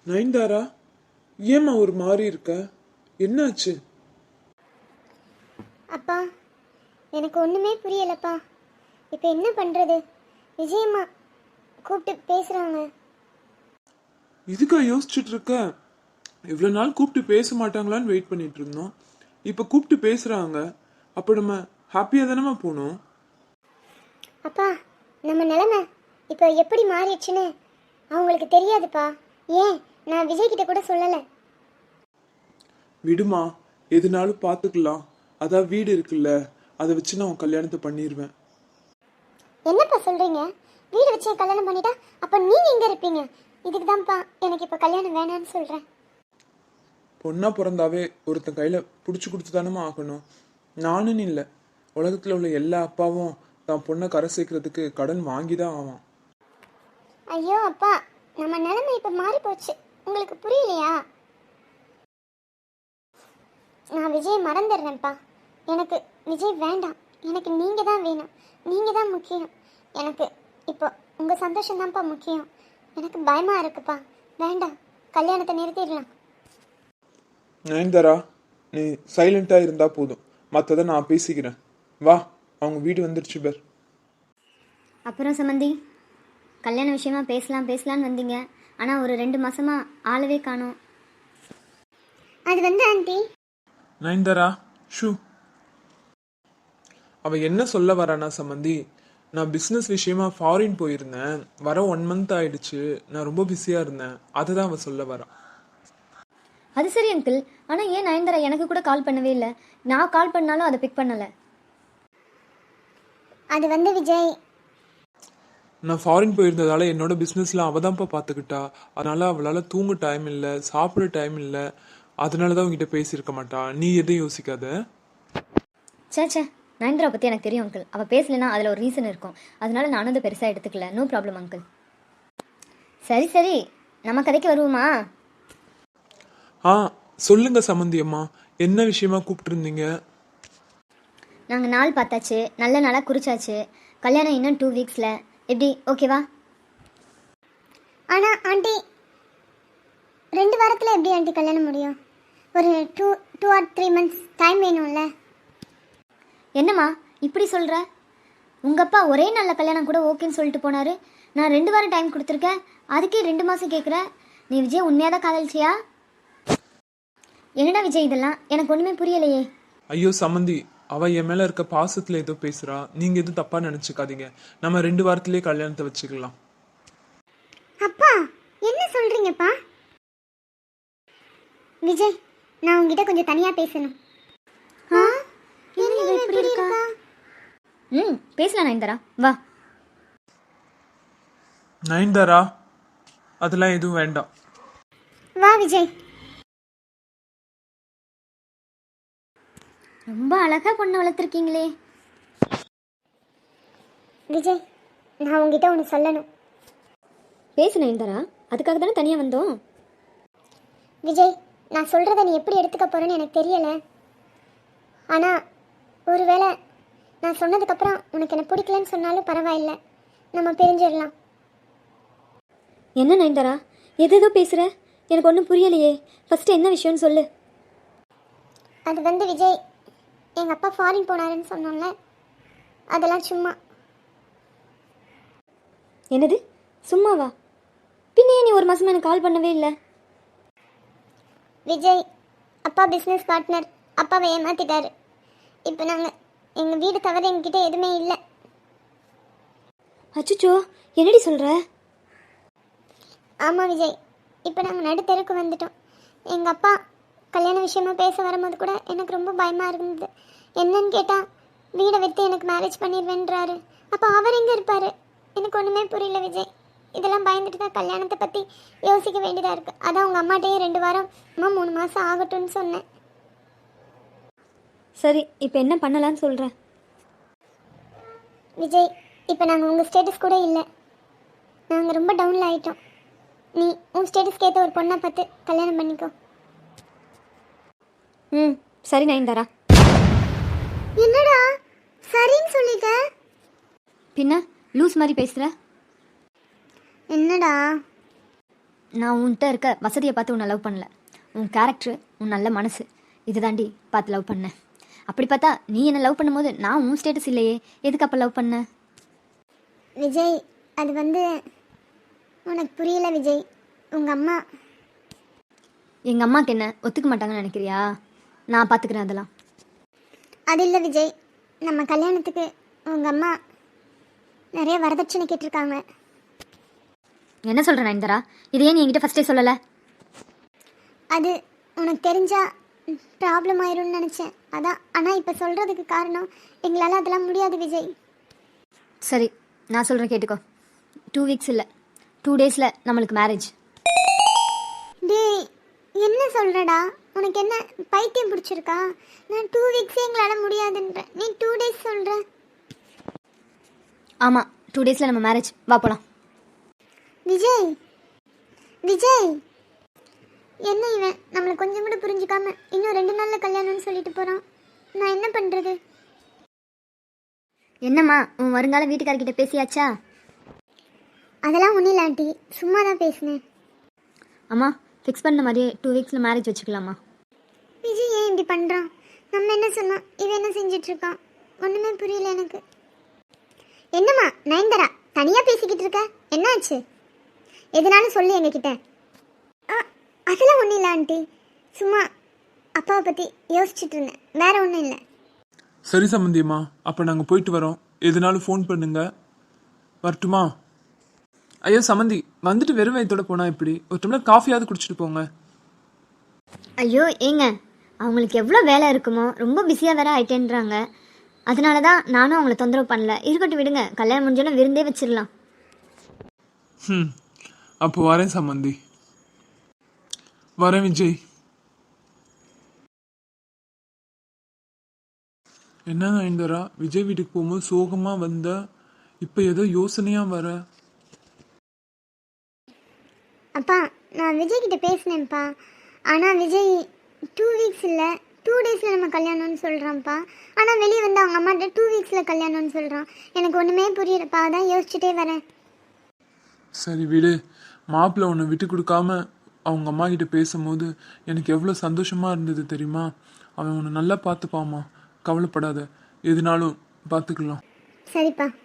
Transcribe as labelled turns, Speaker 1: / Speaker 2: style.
Speaker 1: நயன்தாரா, ஏம்மா ஒரு மாதிரி இருக்க? என்னாச்சு?
Speaker 2: அப்பா, எனக்கு ஒன்றுமே புரியலப்பா. இப்போ என்ன பண்ணுறது? விஜயம்மா கூப்பிட்டு பேசுகிறாங்க.
Speaker 1: இதுக்கா யோசிச்சுட்டு இருக்க? இவ்வளோ நாள் கூப்பிட்டு பேச மாட்டாங்களான்னு வெயிட் பண்ணிட்டு இருந்தோம். இப்போ கூப்பிட்டு பேசுறாங்க. அப்போ நம்ம ஹாப்பியாக தானேம்மா போகணும்?
Speaker 2: அப்பா, நம்ம நிலைமை இப்போ எப்படி மாறிடுச்சுன்னு அவங்களுக்கு தெரியாதுப்பா. ஏன் நான் விஜய்கிட்ட கூட சொல்லலை.
Speaker 1: விடுமா, எதுனாலும் பார்த்துக்கலாம். அதான் வீடு இருக்குல்ல, அதை வச்சு நான் உன் கல்யாணத்தை பண்ணிடுவேன்.
Speaker 2: என்னப்பா சொல்கிறீங்க? வீடு வச்சு கல்யாணம் பண்ணிட்டா அப்போ நீங்கள் எங்கே இருப்பீங்க? இதுக்கு தான்ப்பா எனக்கு இப்போ கல்யாணம் வேணான்னு சொல்கிறேன்.
Speaker 1: பொண்ணா பிறந்தாவே ஒருத்தன் கையில் பிடிச்சி கொடுத்து தானேம்மா ஆகணும். நானுன்னு இல்லை, உலகத்தில் உள்ள எல்லா அப்பாவும் தான் பொண்ணை கரை சேர்க்கறதுக்கு கடன் வாங்கி தான் ஆவான்.
Speaker 2: ஐயோ அப்பா, நம்ம நிலைமை இப்போ மாறி போச்சு. உங்களுக்கு புரியலையா? நான் விஜய் மறந்துடுறேன்ப்பா. எனக்கு விஜய் வேண்டாம். எனக்கு நீங்கள் தான் வேணும். நீங்கள் தான் முக்கியம். எனக்கு இப்போ உங்கள் சந்தோஷம் தான்ப்பா முக்கியம். எனக்கு பயமாக இருக்குப்பா. வேண்டாம், கல்யாணத்தை நிறுத்திடலாம்.
Speaker 1: நயன்தாரா, நீ சைலண்டாக இருந்தால் போதும், மற்றதை நான் பேசிக்கிறேன். வா, அவங்க வீடு வந்துருச்சு பேர்.
Speaker 3: அப்புறம் சம்மந்தி, கல்யாண விஷயமா பேசலான்னு வந்தீங்க. ஆனால் ஒரு 2 மாசமா ஆளவே காணோம்.
Speaker 2: அது ஆண்டி,
Speaker 1: நயன்தாரா, ஷூ. அவ என்ன சொல்ல வரானா சம்மந்தி, நான் பிஸ்னஸ் விஷயமா ஃபாரின் போயிருந்தேன். வர 1 month ஆயிடுச்சு. நான் ரொம்ப பிஸியாக இருந்தேன். அதை தான் அவள் சொல்ல வரா.
Speaker 3: அது சரி அங்கிள், ஆனால் ஏன் நயன்தாரா எனக்கு கூட கால் பண்ணவே இல்லை? நான் கால் பண்ணாலும் அதை பிக் பண்ணலை.
Speaker 2: அது விஜய்,
Speaker 1: நான் ஃபாரின் போயிருந்ததால என்னோட பிஸ்னஸில் அவள் தான்ப்பா பார்த்துக்கிட்டா. அதனால அவளால் தூங்க டைம் இல்லை, சாப்பிட டைம் இல்லை. அதனால தான் உங்ககிட்ட பேசியிருக்க மாட்டா. நீ எதையும் யோசிக்காத.
Speaker 3: சே, நயன்தாரா பற்றி எனக்கு தெரியும் அங்கிள். அவள் பேசலைன்னா அதில் ஒரு ரீசன் இருக்கும். அதனால நானும் அதை பெருசாக எடுத்துக்கல. No problem uncle. சரி, நம்ம கதைக்கு வருவோமா?
Speaker 1: சொல்லுங்க சம்மந்தி அம்மா, என்ன விஷயமா கூப்பிட்டுருந்தீங்க?
Speaker 3: நாங்கள் நாள் பார்த்தாச்சு, நல்ல நாளாக குறிச்சாச்சு. கல்யாணம் இன்னும் 2 வீக்ஸில். எப்படி, ஓகேவா?
Speaker 2: ஆனால் ஆண்டி, 2 வாரத்தில் எப்படி ஆண்டி கல்யாணம் முடியும்? ஒரு 2 or 3 months டைம் வேணும்ல.
Speaker 3: என்னம்மா இப்படி சொல்கிற? உங்கள் அப்பா ஒரே நல்ல கல்யாணம் கூட ஓகேன்னு சொல்லிட்டு போனார். நான் 2 வாரம் டைம் கொடுத்துருக்கேன், அதுக்கே 2 மாதம் கேட்குற. நீ விஜய் உண்மையாக தான் காதலிச்சியா? என்னடா விஜய் இதெல்லாம்? எனக்கு ஒன்றுமே புரியலையே.
Speaker 1: ஐயோ சம்மந்தி, அவ என் மேல இருக்க பாசத்துல ஏதோ பேசுறா. நீங்க எதுவும் தப்பா நினைச்சுக்காதீங்க. நம்ம 2 வாரத்திலேயே கல்யாணத்தை வச்சுக்கலாம்.
Speaker 2: அப்பா, என்ன சொல்றீங்கப்பா? விஜய், நான் உங்ககிட்ட கொஞ்சம் தனியா பேசணும். என்ன இப்படி இருக்கா?
Speaker 3: பேசலாம் நயன்தாரா, வா.
Speaker 1: நயன்தாரா, அதெல்லாம் எதுவும் வேண்டாம்.
Speaker 2: வா விஜய்.
Speaker 3: ரொம்ப அழகா பொண்ணை வளர்த்துருக்கீங்களே.
Speaker 2: விஜய், நான் உங்ககிட்ட ஒன்று சொல்லணும்.
Speaker 3: பேசு நயன்தாரா, அதுக்காக தானே தனியாக வந்தோம்.
Speaker 2: விஜய், நான் சொல்கிறத நீ எப்படி எடுத்துக்க போகிறேன்னு எனக்கு தெரியலை. ஆனால் ஒருவேளை நான் சொன்னதுக்கப்புறம் உனக்கு என்ன பிடிக்கலன்னு சொன்னாலும் பரவாயில்லை, நம்ம பிரிஞ்சிடலாம்.
Speaker 3: என்ன நயன்தாரா, எதோ பேசுகிற? எனக்கு ஒன்றும் புரியலையே. ஃபஸ்ட்டு என்ன விஷயம்னு சொல்லு.
Speaker 2: அது விஜய், எங்கள் அப்பா ஃபாரின் போனாருன்னு சொன்னோம்ல, அதெல்லாம் சும்மா.
Speaker 3: என்னது சும்மாவா? பின்னே நீ 1 மாதமாக எனக்கு கால் பண்ணவே இல்லை.
Speaker 2: விஜய், அப்பா பிஸ்னஸ் பார்ட்னர் அப்பாவை ஏமாத்திட்டாரு. இப்போ நாங்கள் எங்கள் வீடு தவிர எங்ககிட்ட எதுவுமே இல்லை.
Speaker 3: அச்சுச்சோ, என்னடி சொல்கிற?
Speaker 2: ஆமாம் விஜய், இப்போ நாங்கள் நடுத்தெருக்கு வந்துட்டோம். எங்கள் அப்பா கல்யாண விஷயமா பேச வரும்போது கூட எனக்கு ரொம்ப பயமாக இருந்தது. என்னன்னு கேட்டால் வீடை விற்று எனக்கு மேரேஜ் பண்ணிடுவேன்றாரு. அப்போ அவர் எங்கே இருப்பார்? எனக்கு ஒன்றுமே புரியல விஜய். இதெல்லாம் பயந்துட்டு தான் கல்யாணத்தை பற்றி யோசிக்க வேண்டியதாக இருக்குது. அதான் உங்கள் அம்மாட்டையே 2 வாரம் 3 மாதம் ஆகட்டும்னு சொன்னேன்.
Speaker 3: சரி, இப்போ என்ன பண்ணலான்னு சொல்கிறேன்?
Speaker 2: விஜய், இப்போ நாங்கள் உங்கள் ஸ்டேட்டஸ் கூட இல்லை. நாங்கள் ரொம்ப டவுனில் ஆகிட்டோம். நீ உன் ஸ்டேட்டஸ்க்கு ஏற்ற ஒரு பொண்ணை பார்த்து கல்யாணம் பண்ணிக்கோ.
Speaker 3: சரி நயன்தாரா.
Speaker 2: என்னடா சரின்னு சொல்லிட்ட?
Speaker 3: பின்ன லூஸ் மாதிரி பேசுகிற?
Speaker 2: என்னடா?
Speaker 3: நான் உன்கிட்ட இருக்க வசதியை பார்த்து உன்னை லவ் பண்ணல. உன் கேரக்டர், உன் நல்ல மனசு இது தாண்டி பார்த்து லவ் பண்ணேன். அப்படி பார்த்தா நீ என்னை லவ் பண்ணும்போது நான் உன் ஸ்டேட்டஸ் இல்லையே, எதுக்கு அப்போ லவ் பண்ண?
Speaker 2: விஜய், அது வந்து உனக்கு புரியல விஜய். உங்கள் அம்மா
Speaker 3: எங்கள் அம்மாவுக்கு என்ன ஒத்துக்க மாட்டாங்கன்னு நினைக்கிறியா? நான் பார்த்துக்கிறேன் அதெல்லாம்.
Speaker 2: அது இல்லை விஜய், நம்ம கல்யாணத்துக்கு உங்கள் அம்மா நிறைய வரதட்சணை கேட்டிருக்காங்க.
Speaker 3: என்ன சொல்கிறேன் நயன்தாரா? இது ஏன் நீ என்கிட்ட ஃபஸ்ட்டே சொல்லலை?
Speaker 2: அது உனக்கு தெரிஞ்சா ப்ராப்ளம் ஆயிரும்னு நினச்சேன், அதான். ஆனால் இப்போ சொல்கிறதுக்கு காரணம் எங்களால் அதெல்லாம் முடியாது விஜய்.
Speaker 3: சரி, நான் சொல்கிறேன் கேட்டுக்கோ. 2 வீக்ஸ் இல்லை, 2 டேஸில் நம்மளுக்கு மேரேஜ்.
Speaker 2: டேய், என்ன சொல்கிறடா? உனக்கு என்ன பைத்தியம் பிடிச்சிருக்கா? நான் 2 வீக்ஸே எங்களால் முடியாதுன்றேன், நீ 2 டேஸ் சொல்கிற.
Speaker 3: ஆமாம், 2 டேஸில் நம்ம மேரேஜ். வா போகலாம்.
Speaker 2: விஜய், விஜய், என்ன இவன் நம்மளை கொஞ்சம் கூட புரிஞ்சுக்காம இன்னும் 2 நாளில் கல்யாணம்னு சொல்லிட்டு போகிறான். நான் என்ன பண்ணுறது?
Speaker 3: என்னம்மா, உன் வருங்கால வீட்டுக்காரர்கிட்ட பேசியாச்சா?
Speaker 2: அதெல்லாம் ஒன்றும் இல்லை ஆண்டி, சும்மா தான் பேசினேன்.
Speaker 3: அம்மா, ஃபிக்ஸ் பண்ண மாதிரியே 2 வீக்ஸில் மேரேஜ் வச்சுக்கலாமா?
Speaker 2: விஜய் ஏன் இப்படி பண்ணுறான்? நம்ம என்ன சொன்னோம், இவன் என்ன செஞ்சிட்ருக்கான்? ஒன்றுமே புரியல எனக்கு. என்னம்மா நயன்தாரா, தனியாக பேசிக்கிட்டு இருக்க, என்னாச்சு? எதுனாலும் சொல்லு எங்ககிட்ட. அதெல்லாம் ஒன்றும் இல்லை ஆண்டி, சும்மா அப்பாவை பற்றி யோசிச்சுட்டு இருந்தேன், வேற ஒன்றும் இல்லை.
Speaker 1: சரி சம்மந்தியம்மா, அப்போ நாங்கள் போயிட்டு வரோம். எதுனாலும் ஃபோன் பண்ணுங்க. வரட்டுமா? ஐயோ சம்மந்தி, வந்துட்டு வெறும் வயிற்றோட போனால் எப்படி? ஒரு டம்ளர் காஃபியாவது குடிச்சிட்டு போங்க.
Speaker 3: ஐயோ ஏங்க, அவங்களுக்கு எவ்வளோ வேலை இருக்குமோ, ரொம்ப பிஸியாக வேற ஆயிட்டேன்றாங்க. அதனால தான் நானும் அவங்கள தொந்தரவு பண்ணல. இருக்கட்டும் விடுங்க, கல்யாணம் முடிஞ்சோன்னு விருந்தே வச்சிடலாம்.
Speaker 1: அப்போ வரேன் சம்மந்தி. வரேன் விஜய். என்ன நயன்தாரா, விஜய் வீட்டுக்கு போகும்போது சோகமாக வந்த, இப்போ ஏதோ யோசனையாக வர.
Speaker 2: அப்பா, நான் விஜய் கிட்ட பேசினேன்ப்பா. ஆனால் விஜய் 2 வீக்ஸ் இல்லை 2 டேஸில் நம்ம கல்யாணம்னு சொல்கிறான்ப்பா. ஆனால் வெளியே வந்து அவங்க அம்மாட்ட 2 வீக்ஸில் கல்யாணம்னு சொல்கிறான். எனக்கு ஒன்றுமே புரியலப்பா, அதான் யோசிச்சுட்டே வரேன்.
Speaker 1: சரி விடு. மாப்பிள்ளை உன்னை விட்டு கொடுக்காம அவங்க அம்மா கிட்ட பேசும்போது எனக்கு எவ்வளோ சந்தோஷமாக இருந்தது தெரியுமா? அவன் உன்னை நல்லா பார்த்துப்பாம்மா, கவலைப்படாத, எதுனாலும் பார்த்துக்கலாம்.
Speaker 2: சரிப்பா.